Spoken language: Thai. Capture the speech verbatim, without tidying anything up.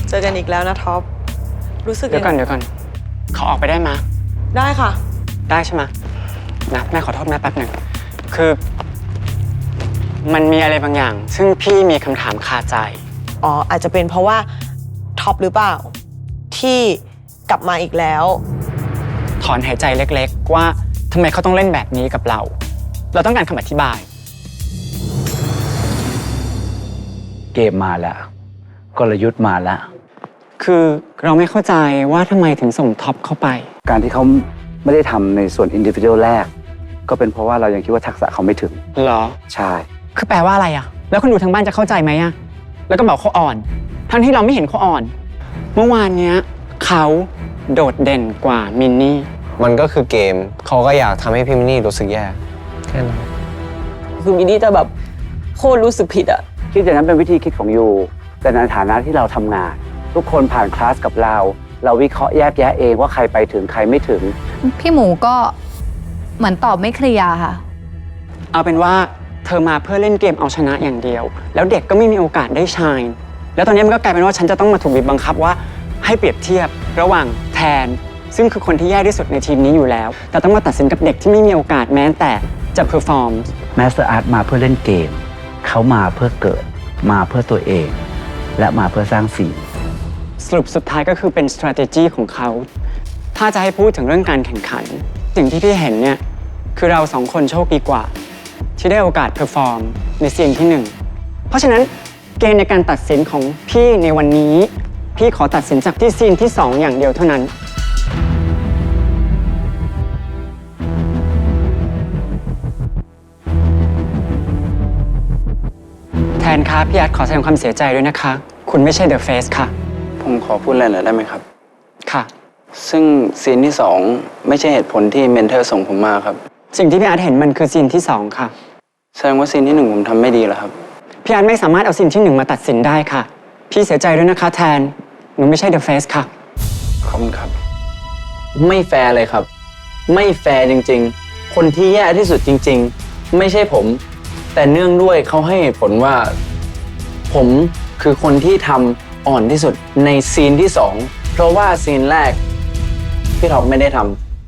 เจอกันอีกแล้วนะท็อปรู้สึกเดี๋ยวก่อนเดี๋ยวก่อนขอออกไปได้ไหมได้ค่ะได้ใช่ไหมนะแม่ขอโทษแม่แป๊บหนึ่งคือมันมีอะไรบางอย่าง ซึ่งพี่มีคำถามคาใจอ๋ออาจจะเป็นเพราะว่าท็อปหรือเปล่าที่กลับมาอีกแล้วถอนหายใจเล็กๆว่าทำไมเขาต้องเล่นแบบนี้กับเรา เราต้องการคำอธิบายเกมมาแล้วกลยุทธ์มาแล้วคือเราไม่เข้าใจว่าทำไมถึงส่งท็อปเข้าไปการที่เขาไม่ได้ทำในส่วนอินดิวิวแรกก็เป็นเพราะว่าเรายังคิดว่าทักษะเขาไม่ถึงเหรอใช่คือแปลว่าอะไรอะแล้วคนดูทางบ้านจะเข้าใจไหมอะแล้วก็บอกเขาอ่อนทั้งที่เราไม่เห็นเขาอ่อนเมื่อวานเนี้ยเขาโดดเด่นกว่ามินนี่มันก็คือเกมเขาก็อยากทำให้พี่มินนี่รู้สึกแย่แค่นั้นคือมินนี่จะแบบโคตรรู้สึกผิดอะคิดอย่างนั้นเป็นวิธีคิดของยูแต่ในฐานะที่เราทำงานทุกคนผ่านคลาสกับเราเราวิเคราะห์แยกแยะเองว่าใครไปถึงใครไม่ถึงพี่หมูก็เหมือนตอบไม่เคลียร์ค่ะเอาเป็นว่าเธอมาเพื่อเล่นเกมเอาชนะอย่างเดียวแล้วเด็กก็ไม่มีโอกาสได้ชายแล้วตอนนี้มันก็กลายเป็นว่าฉันจะต้องมาถูกบีบบังคับว่าให้เปรียบเทียบระหว่างแทนซึ่งคือคนที่แย่ที่สุดในทีมนี้อยู่แล้วแต่ต้องมาตัดสินกับเด็กที่ไม่มีโอกาสแม้แต่จะเพอร์ฟอร์มแมสเตอร์อาร์ตมาเพื่อเล่นเกมเขามาเพื่อเกิดมาเพื่อตัวเองและมาเพื่อสร้างสิ่งสรุปสุดท้ายก็คือเป็น strategy ของเขาถ้าจะให้พูดถึงเรื่องการแข่งขันสิ่งที่พี่เห็นเนี่ยคือเราสองคนโชคดีกว่าที่ได้โอกาสเพอร์ฟอร์มในซีนที่หนึ่งเพราะฉะนั้นเกณฑ์ในการตัดสินของพี่ในวันนี้พี่ขอตัดสินจากที่ซีนที่สองอย่างเดียวเท่านั้นแทนคะพี่อาร์ตขอแสดงความเสียใจด้วยนะคะคุณไม่ใช่เดอะเฟสค่ะผมขอพูดอะไรหน่อยได้ไหมครับค่ะซึ่งซีนที่สองไม่ใช่เหตุผลที่เมนเทอร์ส่งผมมาครับสิ่งที่พี่อาร์ตเห็นมันคือซีนที่สองค่ะแสดงว่าซีนที่หนึ่งผมทำไม่ดีเหรอครับพี่อาร์ตไม่สามารถเอาซีนที่หนึ่งมาตัดสินได้ค่ะพี่เสียใจด้วยนะคะแทนหนูไม่ใช่เดอะเฟสค่ะขอบคุณครับไม่แฟร์เลยครับไม่แฟร์จริงๆคนที่แย่ที่สุดจริงๆไม่ใช่ผมแต่เนื่องด้วยเขาให้เหตุผลว่าผมคือคนที่ทำอ่อนที่สุดในซีนที่สองเพราะว่าซีนแรกพี่ท็อปไม่ได้ทำ